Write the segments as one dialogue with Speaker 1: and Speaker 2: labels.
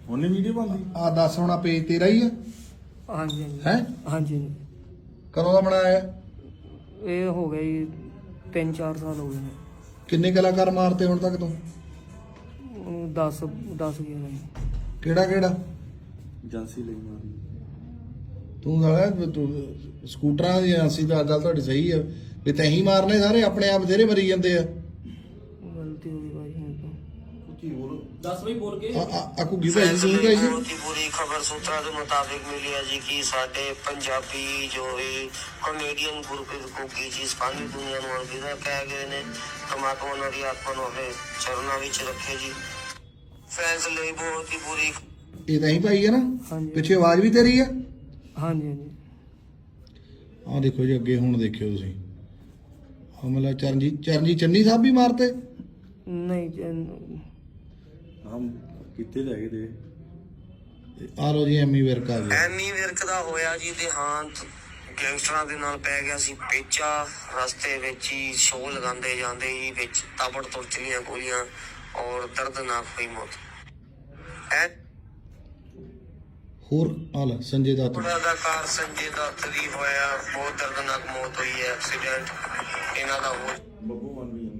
Speaker 1: ਉਹਨੇ ਵੀਡੀਓ ਬਣਦੀ
Speaker 2: ਆ ਦੱਸ ਹੁਣ ਪੇਜ ਤੇਰਾ ਹੀ ਆ
Speaker 3: ਹਾਂਜੀ ਹਾਂਜੀ
Speaker 2: ਹੈ?
Speaker 3: ਹਾਂਜੀ
Speaker 2: ਕਦੋਂ ਦਾ ਬਣਾਇਆ?
Speaker 3: ਇਹ ਹੋ ਗਿਆ ਜੀ 3-4 ਸਾਲ ਹੋ ਗਏ ਨੇ।
Speaker 2: ਕਿੰਨੇ ਕਲਾਕਾਰ ਮਾਰਤੇ ਹੁਣ ਤੱਕ ਤੂੰ?
Speaker 3: 10 ਗਿਆ ਜੀ।
Speaker 2: ਕਿਹੜਾ ਕਿਹੜਾ?
Speaker 1: ਏਜੰਸੀ ਲਈ ਮਾਰੀ।
Speaker 2: ਤੂੰ ਸਾਲਾ ਤੂੰ ਸਕੂਟਰਾਂ ਦੀ ਏਜੰਸੀ ਦਾ ਗੱਲ ਤੁਹਾਡੀ ਸਹੀ ਆ ਵੀ ਤੈਂ ਹੀ ਮਾਰਨੇ ਸਾਰੇ, ਆਪਣੇ ਆਪ ਬਥੇਰੇ ਮਰੀ ਜਾਂਦੇ ਆ।
Speaker 3: ਗਲਤੀ ਹੋ ਗਈ ਭਾਈ ਹੁਣ ਤਾਂ।
Speaker 2: ਆਕੂ ਕੀ ਭਾਈ ਤੂੰ ਕਹੀ
Speaker 4: ਬਹੁਤ ਹੀ ਬੁਰੀ ਖਬਰ ਸੂਤਰਾਂ ਦੇ ਮੁਤਾਬਿਕ ਮਿਲੀ ਹੈ ਜੀ ਕਿ ਸਾਡੇ ਪੰਜਾਬੀ ਜੋ ਵੀ ਕਮੇਡੀਅਨ ਗੁਰਪ੍ਰੀਤ ਘੁੱਗੀ ਜੀ ਸਾਰੀ ਦੁਨੀਆ ਨੂੰ ਅਲਵਿਦਾ ਕਹਿ ਗਏ ਨੇ। ਪਰਮਾਤਮਾ ਉਹਨਾਂ ਦੀ ਆਤਮਾ ਨੂੰ ਆਪਣੇ ਚਰਨਾਂ ਵਿੱਚ ਰੱਖੇ ਜੀ। ਫੈਨਸ ਲਈ ਬਹੁਤ ਹੀ ਬੁਰੀ।
Speaker 2: ਇਹ ਤਾਂ ਹੀ ਭਾਈ ਆ ਨਾ?
Speaker 3: ਹਾਂਜੀ
Speaker 2: ਪਿੱਛੇ ਆਵਾਜ਼ ਵੀ ਤੇਰੀ ਆ?
Speaker 3: ਹਾਂਜੀ ਹਾਂਜੀ
Speaker 2: ਆਹ ਦੇਖੋ ਜੀ ਅੱਗੇ ਹੁਣ ਦੇਖਿਓ ਤੁਸੀਂ, ਮਤਲਬ ਚਰਨਜੀਤ ਚੰਨੀ ਸਾਹਿਬ ਵੀ ਮਾਰਤੇ?
Speaker 3: ਨਹੀਂ
Speaker 1: ਹਮ ਕਿੱਥੇ ਲੈ ਗਏ ਦੇ।
Speaker 2: ਆ ਲੋ ਜੀ ਐਮੀ ਵਿਰਕ ਆ ਗਿਆ।
Speaker 4: ਐਮੀ ਵਿਰਕ ਦਾ ਹੋਇਆ ਜੀ ਦੇਹਾਂਤ। ਗੈਂਗਸਟਰਾਂ ਦੇ ਨਾਲ ਪੈ ਗਿਆ ਸੀ ਪੇਚਾ। ਰਸਤੇ ਵਿੱਚ ਹੀ ਸ਼ੋਅ ਲਗਾਉਂਦੇ ਜਾਂਦੇ ਹੀ ਵਿੱਚ ਤਾਬੜਤੋੜ ਚਲੀਆਂ ਗੋਲੀਆਂ ਔਰ ਦਰਦਨਾਕ ਹੋਈ ਮੌਤ।
Speaker 2: ਹੋਰ ਆ ਲੈ ਸੰਜੇ ਦੱਤ।
Speaker 4: ਅਦਾਕਾਰ ਸੰਜੇ ਦੱਤ ਦੀ ਹੋਇਆ ਬਹੁਤ ਦਰਦਨਾਕ ਮੌਤ ਹੋਈ ਹੈ। ਐਕਸੀਡੈਂਟ ਇਹਨਾਂ ਦਾ ਹੋ
Speaker 1: ਬੱਬੂ ਮਨ ਵੀ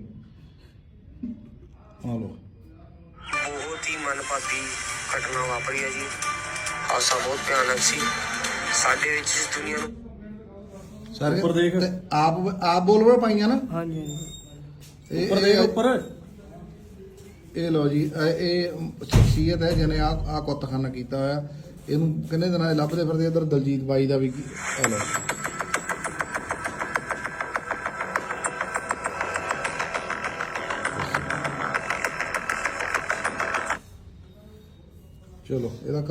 Speaker 2: ਆ ਲੋ
Speaker 4: ਬਹੁਤ ਹੀ ਮਨਪਾਤੀ ਘਟਨਾ ਵਾਪਰੀ ਹੈ ਜੀ। ਹਾਦਸਾ ਬਹੁਤ ਭਿਆਨਕ ਸੀ। ਸਾਡੇ ਵਿੱਚ ਇਸ ਦੁਨੀਆ ਨੂੰ
Speaker 2: ਸਾਰੇ
Speaker 1: ਉੱਪਰ ਦੇਖ।
Speaker 2: ਤੇ ਆਪ ਬੋਲਵੇ ਪਾਈਆਂ ਨਾ?
Speaker 3: ਹਾਂਜੀ ਹਾਂਜੀ
Speaker 2: ਇਹ-
Speaker 1: ਉੱਪਰ ਦੇਖ
Speaker 2: ਇਹ-
Speaker 1: ਉੱਪਰ।
Speaker 2: ਇਹ ਲੋ ਜੀ ਇਹ ਸ਼ਖਸੀਅਤ ਹੈ ਜਿਹਨੇ ਆ ਕੁੱਤਖਾਨਾ ਕੀਤਾ ਹੋਇਆ। ਇਹਨੂੰ ਕਿੰਨੇ ਦਿਨਾਂ ਦੇ ਲੱਭਦੇ ਫਿਰਦੇ। ਇੱਧਰ ਦਲਜੀਤ ਬਾਈ ਦਾ ਵੀ ਆ ਲੋ। ਚਲੋ ਇਹਦਾ